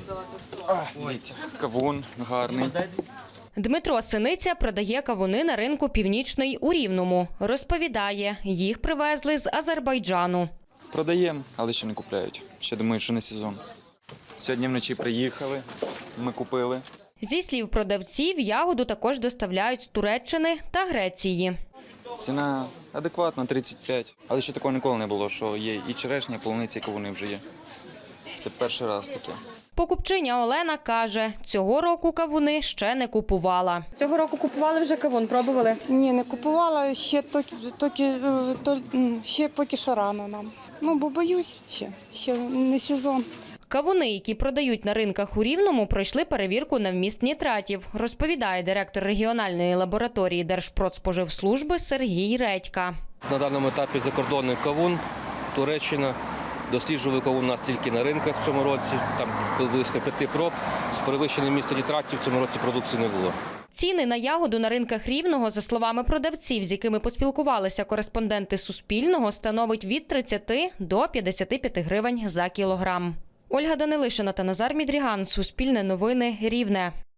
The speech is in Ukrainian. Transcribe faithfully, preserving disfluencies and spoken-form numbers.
Дивіться, кавун гарний. Дмитро Синиця продає кавуни на ринку «Північний» у Рівному. Розповідає, їх привезли з Азербайджану. Продаємо, але ще не купляють. Ще думають, що не сезон. Сьогодні вночі приїхали, ми купили. Зі слів продавців, ягоду також доставляють з Туреччини та Греції. Ціна адекватна, тридцять п'ять. Але ще такого ніколи не було, що є і черешня, і полуниця, і кавуни вже є. Це перший раз таке. Покупчиня Олена каже, цього року кавуни ще не купувала. Цього року купували вже кавун, пробували? Ні, не купувала, ще, токи, токи, е, то, м, ще поки що рано нам. Ну, бо боюсь ще, ще не сезон. Кавуни, які продають на ринках у Рівному, пройшли перевірку на вміст нітратів, розповідає директор регіональної лабораторії Держпродспоживслужби Сергій Редька. На даному етапі закордонний кавун, Туреччина. Досліджували кавун у нас тільки на ринках в цьому році, там близько п'яти проб. З перевищеним містом нітратів в цьому році продукції не було. Ціни на ягоду на ринках Рівного, за словами продавців, з якими поспілкувалися кореспонденти Суспільного, становить від тридцяти до п'ятдесяти п'яти гривень за кілограм. Ольга Данилишина та Назар Мідріган. Суспільне новини. Рівне.